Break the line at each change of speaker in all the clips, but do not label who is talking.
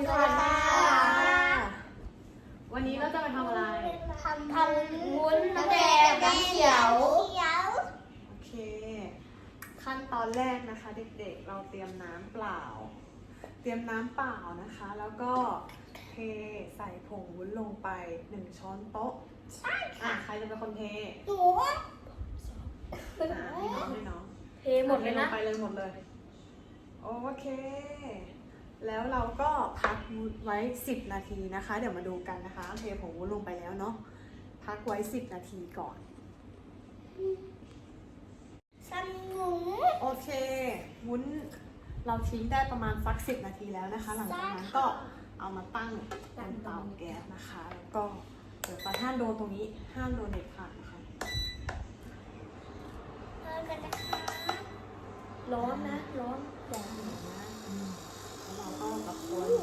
ดีค่ะวันนี้เราจะมาทำอะไร
ทำวุ้นน้ำแดงน้ำเขียว
โอเคขั้นตอนแรกนะคะเด็กๆเราเตรียมน้ำเปล่านะคะแล้วก็เทใส่ผงวุ้นลงไป1 ช้อนโต๊ะใช่ค่ะใครจะเป็นคนเท
หนู
ให้น้อง
เทหมดเลยนะ
ไปเลยหมดเลยโอเคแล้วเราก็พักไว้10 นาทีนะคะเดี๋ยวมาดูกันนะคะเทผงวุ้นลงไปแล้วเนาะพักไว้10 นาทีก่อน
สนุก
โอเควุ้นเราทิ้งได้ประมาณสัก10 นาทีแล้วนะคะหลังจากนั้นก็เอามาตั้งบนเตาแก๊สนะคะแล้วก็เดี๋ยวห้ามโดนตรงนี้ห้ามโดนเด็ดขาดนะคะ
ร้อนนะร้อน
ร้อนนะแล้วเราก็ตะโกน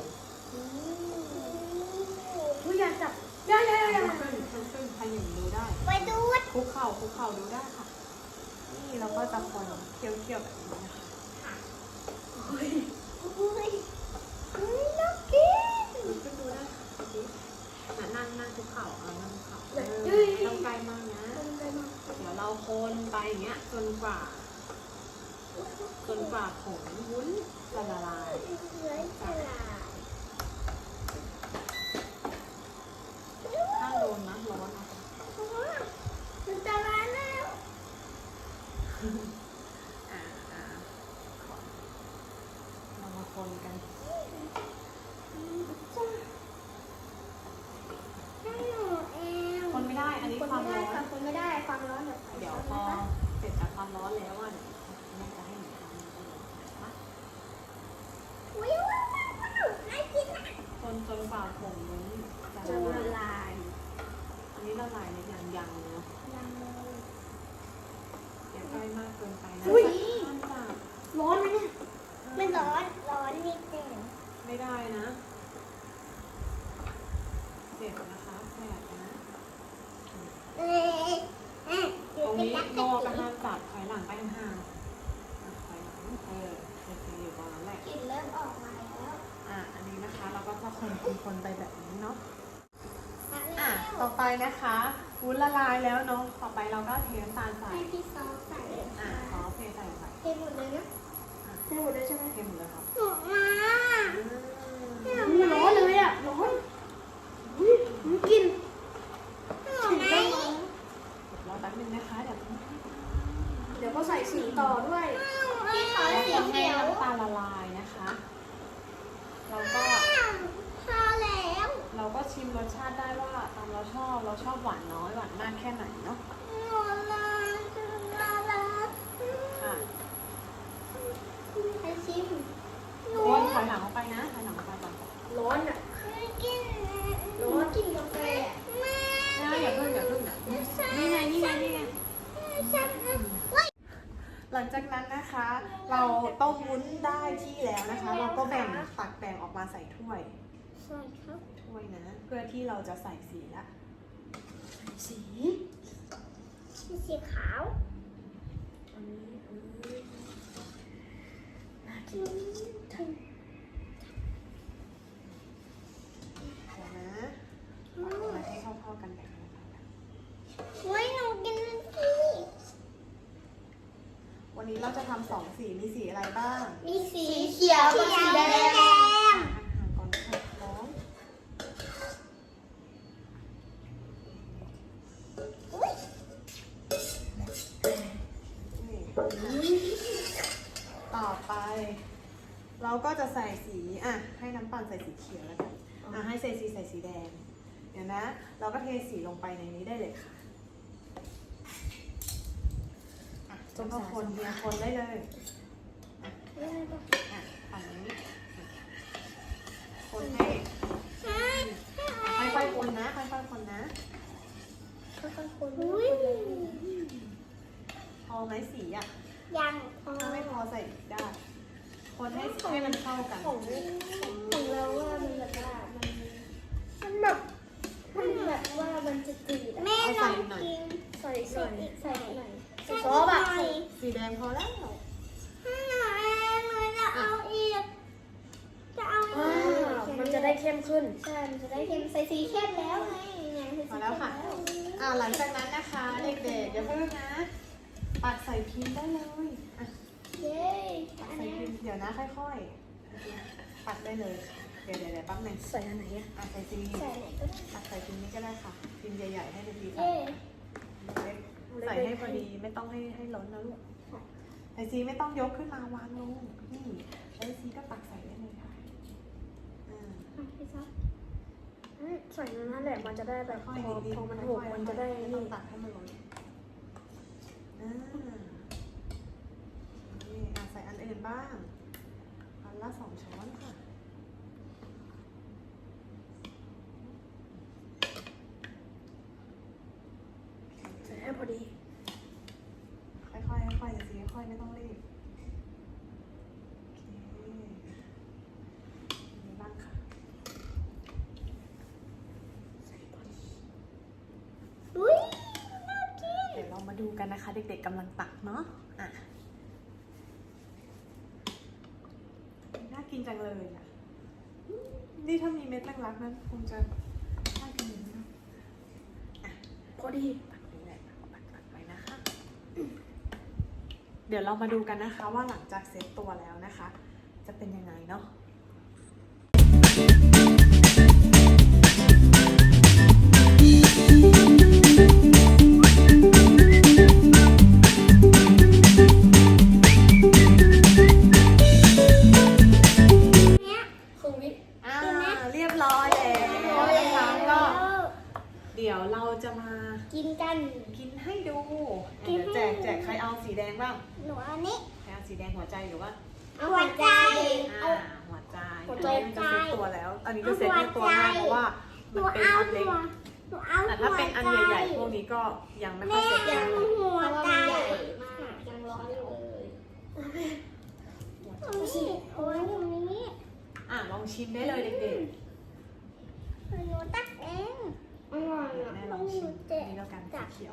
ผู้อยากจับได้
ขึ้นใครอย่างดูได้
ไปดู
คุกเข่าดูได้ค่ะนี่เราก็ตะโกนเคี่ยวแบบนี้นะคะ
น่ากิน
ขึ้นดูได้ค่ะนั่งคุกเข่านั่งคุกเข่าต้องใกล้มากนะเดี๋ยวเราคนไปอย่างเงี้ยจนกว่าผงวุ้นจะละลายถ้าโดนนะร้อนนะคะ
มันจะร้อนแล้ว
เรามาคนกันคนไม่ได้อันนี้ความร้อน
คนไม่ได้ความร้อน
เดี๋ยวพอเสร็จจากความร้อนแล้วอ่ะแม่จะให้หนูทำนะคะ
น่ากินนะ
คนจนกว่าผงวุ้นจะละลายอันนี้ละลายในยังเนาะอย่าใกล้มากเกินไปนะ
ร้อนไหมเนี่ยไม่ร้อนนิดนึง
ไม่ได้นะเจ็บนะคะแผลนะตรงนี้โมก็ห้ามจับถอยหลังไปห่างถอยหลังอยู่ตรงนั้นแหละ
กลิ่นเริ่มออกมาแล้ว
อันนี้นะคะเราก็จะคนไปแบบนี้เนาะต่อไปนะคะวุ้นละลายแล้วเนาะต่อไปเราก็เทน้ำตาลใส่
ให้พี่ซอสใส่
ซอสเทใส่ไป
เทหมดเลยนะเทหมดเลยใช่ไหม
เทหมดเลยครับ
ร้อนเลยอ่ะร้อนกิน
รอแป๊บนึงนะคะเ
ดี๋ยวก็ใส่สีต่อด้วยพี่ขอสีเขียว
น้ำตาลละลายนะคะเราก็ชิมรสชาติได้ว่าตามเราชอบหวานน้อยหวานมากแค่ไหนเนาะค่ะ
ให้ชิม
ถอยหลังออกไปนะถอยหลังออกไปก่อน
ร้อนอ่ะร้อนกินกาแฟ
อย่าเพิ่งนี่ไงหลังจากนั้นนะคะ เราต้มวุ้นได้ที่แล้วนะคะ เราก็ตักแบ่งออกมาใส่ถ้วยนะเพื่อที่เราจะใส่สีละ
สีขาว
น่ากินนะมาให้เข้ากันแบบนี้
หนูกิน
วันนี้เราจะทำ2 สีมีสีอะไรบ้าง
มีสีเขียวกับสีแดง
ก่อนค่ะน้องต่อไปเราก็จะใส่สีให้น้ำตาลใส่สีเขียวแล้วกันให้ใส่สีแดงเดี๋ยวนะเราก็เทสีลงไปในนี้ได้เลยค่ะจนพอคนเดียวคนได้เลยฝั่งนี้คนให้ค่อยๆคนนะค่อยๆคนนะพอไหมสีอ่ะ
ยัง
ถ้าไม่พอใส่อีกได้คนให้มันเข้ากัน
ของเราว่ามันแบบว่ามันแบบว่ามันจะจืดแม่ลองกินใส่หน่อยซอสแบบ
สีแดงพอแล้ว
หนูจะเอาอีกมันจะเข้มขึ้นใช่มันจะได้เข้มใส่สีเข้มแล้วไงใส่สี
มาแล้วค่ะหลังจากนั้นนะคะเด็กๆอย่าเพิ่งนะตักใส่พิมพ์ได้เลยอ่ะ
เย้
ตักใส่พิมพ์เดี๋ยวนะค่อยๆตักได้เลยเดี๋ยวแป๊บหนึง
ใส่อันไหนอะ
ใส่ซี
ใส่ไหนก็ได้
ตักใส่พิมพ์นี้ก็ได้ค่ะพิมพ์ใหญ่ๆให้ดีๆค่ะ
เย้
ใส่ให้พอดีไม่ต้องให้ล้นนะลูกไอซีไม่ต้องยกขึ้นมาวางลงนี่ไอซีก็ตักใส่ได้เลยค่ะอ่า
พี่ซับใส่นั่นแหละมันจะได้แบบพ
ค่อย
อ
ๆดีๆ
พอมันหกมันจะได้
ไม่ต้อ
นี่
งตักให้มันล้นนี่ใส่อันอื่นบ้างอันละ2 ช้อนค่ะ
ใส่ให้พอดี
ค่อยๆค่อยๆสิค่อยๆไม่ต้องรีบโอเคมีบ้างค่ะ
อุ้ยน่ากิน
เดี๋ยวเรามาดูกันนะคะ เด็กๆกำลังตักเนาะอ่ะน่ากินจังเลยอ่ะนี่ถ้ามีเม็ดรักๆนั้นคงจะน่ากินอยู่นะอ่ะ
พอดี
ตักนี่แหละตักไปนะคะ เดี๋ยวเรามาดูกันนะคะว่าหลังจากเซตตัวแล้วนะคะ จะเป็นยังไงเนาะ
ครึ่งวิ
เรียบร้อยแล้วนะคะก็เดี๋ยวเราจะมา
กินกัน
กินให้ดู
กินให้
แจกใครเอาสีแดงบ้าง
หนูเอานี้
ใครเอาสีแดงหัวใจหรือว่า
เอาหัวใจ
หัวใจ
หัวใจ
อันนี้มันจะเซ็ตตัวแล้ว อันนี้จะเซ็ตในตัวง่ายเพราะว่า
ห
มั
นู
นเป็น
เอา
อัน
หั
เล็ก
วหนูเอา
แต่ถ้าเป็นอันใหญ่ๆพวกนี้ก็ยังไม่ค่อยเซ็ต
แม่
กัน
หัวใจ
มากยังร้อนอยู่เลย
โอ้ยตรงนี้
ลองชิมได้เลยเด็ก
หนูตักเอง
อร่อย
ๆ
อ่ะ
แม่ลองชิมนี่แล้วกันสีเขียว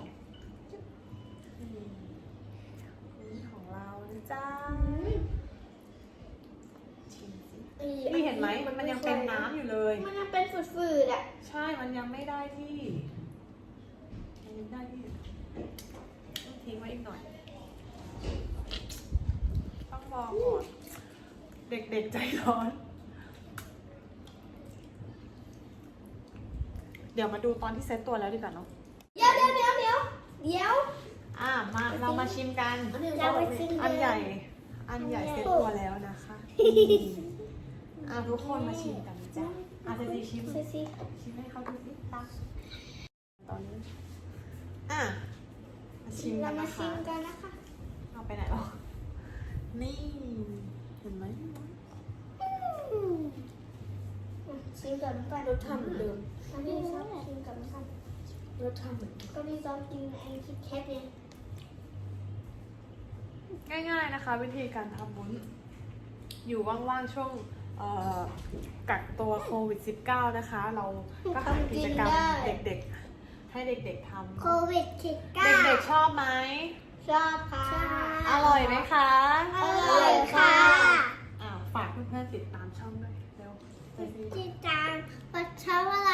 นี่ของเรานะจ๊ะชิมสินี่เห็นไหมมันยังเป็นน้ำอยู่เลย
มันยังเป็นฝืดๆอ่ะ
ใช่ มันยังไม่ได้ที่มันยังได้ที่ต้องทิ้งไว้อีกหน่อย ต้องรอก่อน เด็กๆใจร้อน เดี๋ยวมาดูตอนที่เซตตัวแล้วดีกว่าเนาะ
เดี๋ยว
เรามาชิมกัน
เราไปชิมกัน
อันใหญ่เซตตัวแล้วนะคะทุกคนมาชิมกันนะจ้ะเซซีชิม
ซิซิ
ชิมให้เขาดูสิตักตอนนี้มาชิม
เรา
กัน
มา
นะ
ชิ
คะ
มกันนะคะ
เอาไปไหนหรอนี่เห็นไหม
ชิมก่อนกัน
รสชาติเหมือนเดิม
อันนี้ซอสชิมก่อนกัน
รสชาติเหมือนเดิม
ก็นี่ซอสกินไอ้คิดแคทเนี่ย
ง่ายๆนะคะ วิธีการทำวุ้นอยู่ว่างๆช่วงกักตัวโควิด -19 นะคะ เราก็หากิจกรรมเด็กๆ ให้เด็กๆทำ
โควิดคิด
เด็กๆชอบไหม
ชอบค่ะ
อร่อยไหมคะ
อร่อยค่ะ
ฝากเพื่อนๆติดตามช่องด้วยเร็ว
ติดตามปัชชาวะ